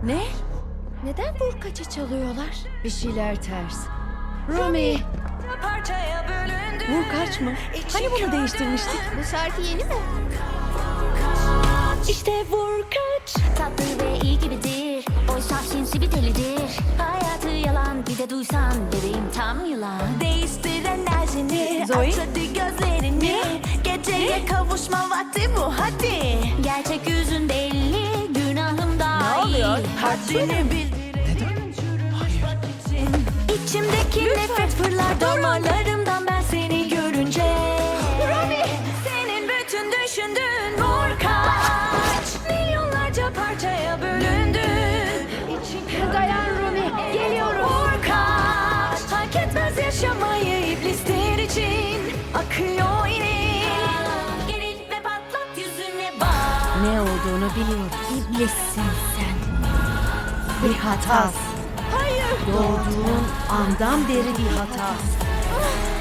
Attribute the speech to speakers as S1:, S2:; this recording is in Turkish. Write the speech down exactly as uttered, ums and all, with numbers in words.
S1: Ne? Neden vurkaçı çalıyorlar?
S2: Bir şeyler ters. Rumi!
S1: Vurkaç mı? Hani bunu değiştirmiştik?
S3: Bu şarkı yeni mi?
S4: İşte vurkaç. Tatlı ve iyi gibidir. Oysa sinsi bir delidir. Hayatı yalan bir de duysan bebeğim tam yılan. Değiştir enerjini.
S1: Zoe?
S4: Aç hadi gözlerini. Geceye kavuşma vakti bu hadi. Gerçek yüzün belli. Günahım dahil.
S1: Ne oluyor?
S4: Haddini bildirelim. Çürümüş bak için. İçimdeki nefret fırlar damarlarımdan ben seni görünce. Rumi! Senin bütün düşündüğün vurkaç. Milyonlarca parçaya bölündün. İçin
S3: Dayan Rumi, geliyorum.
S4: vurkaç. Hak etmez yaşamayı iblisler için. Akıyor yine. Geril ve patlat yüzüne bak.
S2: Ne olduğunu biliyorum. İblissin sen. Bir hata.
S4: Hayır.
S2: Doğduğun andan beri bir hata.